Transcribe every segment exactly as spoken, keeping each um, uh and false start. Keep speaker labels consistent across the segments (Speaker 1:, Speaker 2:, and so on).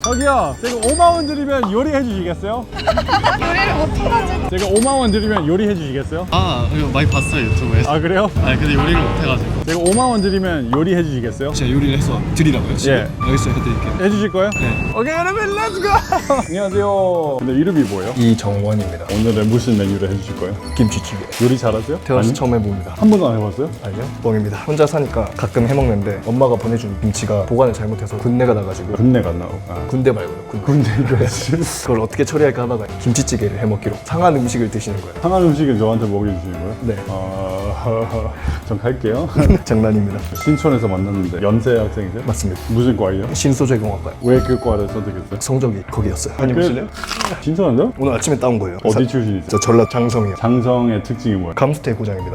Speaker 1: 저기요, 제가 오만 원 드리면 요리해 주시겠어요?
Speaker 2: 요리를 못해가지고.
Speaker 1: 제가 오만 원 드리면 요리해 주시겠어요?
Speaker 3: 아 이거 많이 봤어요 유튜브에서.
Speaker 1: 아 그래요?
Speaker 3: 아 근데 요리를 못해가지고.
Speaker 1: 제가 오만 원 드리면 요리해 주시겠어요?
Speaker 3: 제가 요리를 해서 드리라고요? 지금?
Speaker 1: 예.
Speaker 3: 알겠어요, 해드릴게요.
Speaker 1: 해 주실 거예요?
Speaker 3: 네.
Speaker 1: 오케이 여러분 렛츠고! 안녕하세요. 근데 이름이 뭐예요?
Speaker 4: 이정원입니다.
Speaker 1: 오늘은 무슨 메뉴를 해 주실 거예요?
Speaker 4: 김치찌개.
Speaker 1: 요리 잘하세요?
Speaker 4: 태어나서
Speaker 1: 아니?
Speaker 4: 처음 해봅니다.
Speaker 1: 한 번도 안 해봤어요?
Speaker 4: 아니요? 뻥입니다. 혼자 사니까 가끔 해먹는데 엄마가 보내준 김치가 보관을 잘못해서 군내가 나가지고
Speaker 1: 군내가 나오고 아.
Speaker 4: 군대 말고요. 군.
Speaker 1: 군대가
Speaker 4: 그걸 어떻게 처리할까 하다가 김치찌개를 해먹기로 상한 음식을 드시는 거예요.
Speaker 1: 상한 음식을 저한테 먹여주시는 거예요?
Speaker 4: 네.
Speaker 1: 아... 전 갈게요.
Speaker 4: 장난입니다.
Speaker 1: 신촌에서 만났는데 연세 학생이세요?
Speaker 4: 맞습니다.
Speaker 1: 무슨 과예요?
Speaker 4: 신소재공학과요.
Speaker 1: 왜 그 과를 선택했어요?
Speaker 4: 성적이 거기였어요.
Speaker 1: 그-
Speaker 4: 다녀보실래요?
Speaker 1: 신촌인데요?
Speaker 4: 오늘 아침에 따온 거예요.
Speaker 1: 어디
Speaker 4: 사-
Speaker 1: 출신이세요?
Speaker 4: 저 전라 장성이요.
Speaker 1: 장성의 특징이 뭐예요?
Speaker 4: 감스테 고장입니다.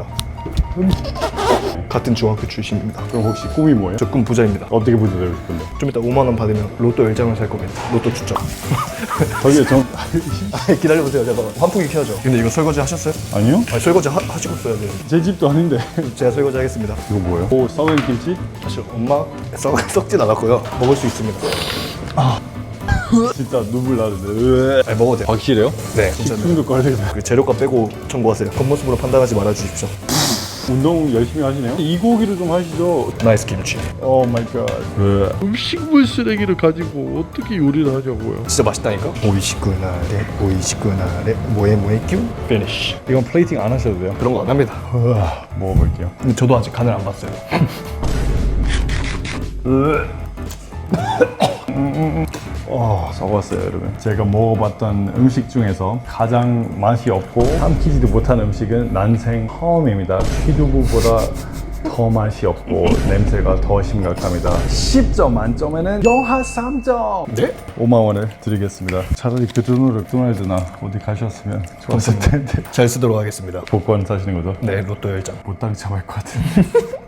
Speaker 4: 같은 중학교 출신입니다.
Speaker 1: 그럼 혹시 꿈이 뭐예요?
Speaker 4: 저 꿈 부자입니다.
Speaker 1: 어떻게 부자 되고 싶은데?
Speaker 4: 좀 이따 오만 원 받으면 로또 열 장을 살 겁니다. 로또 추첨.
Speaker 1: 저기요 전...
Speaker 4: 기다려보세요. 잠깐만. 환풍기 켜야죠. 근데 이거 설거지 하셨어요?
Speaker 1: 아니요?
Speaker 4: 아니, 설거지 하, 하시고 써야 돼요.
Speaker 1: 제 집도 아닌데
Speaker 4: 제가 설거지 하겠습니다.
Speaker 1: 이거 뭐예요? 오 썩은 김치?
Speaker 4: 사실 엄마 썩, 썩진 않았고요. 먹을 수 있습니다.
Speaker 1: 진짜 눈물 나는데
Speaker 4: 아니, 먹어도 돼요.
Speaker 1: 확실해요?
Speaker 4: 네, 진짜.
Speaker 1: 숨도 걸리네.
Speaker 4: 그 재료값 빼고 청구하세요. 겉모습으로 판단하지 말아 주십시오.
Speaker 1: 운동 열심히 하시네요? 이 고기를 좀 하시죠.
Speaker 4: 나이스 김치.
Speaker 1: 오 마이 갓. 음식물 쓰레기를 가지고 어떻게 요리를 하냐고요?
Speaker 4: 진짜 맛있다니까? 오이시쿠나레, 오이시쿠나레, 뭐에 뭐에 큐? 피니쉬.
Speaker 1: 이건 플레이팅 안 하셔도 돼요.
Speaker 4: 그런 거 안 합니다.
Speaker 1: 우와, 먹어볼게요.
Speaker 4: 근데 저도 아직 간을 안 봤어요.
Speaker 1: 어, 썩었어요, 여러분. 제가 먹어봤던 음식 중에서 가장 맛이 없고 삼키지도 못한 음식은 난생 처음입니다. 취두부보다 더 맛이 없고 냄새가 더 심각합니다. 십 점 만점에는 영하 삼 점!
Speaker 4: 네?
Speaker 1: 오만 원을 드리겠습니다. 차라리 그 돈으로 맥도날드나 어디 가셨으면 좋았을 텐데.
Speaker 4: 잘 쓰도록 하겠습니다.
Speaker 1: 복권 사시는 거죠?
Speaker 4: 네, 로또 열 장.
Speaker 1: 못 당첨할 것 같은데.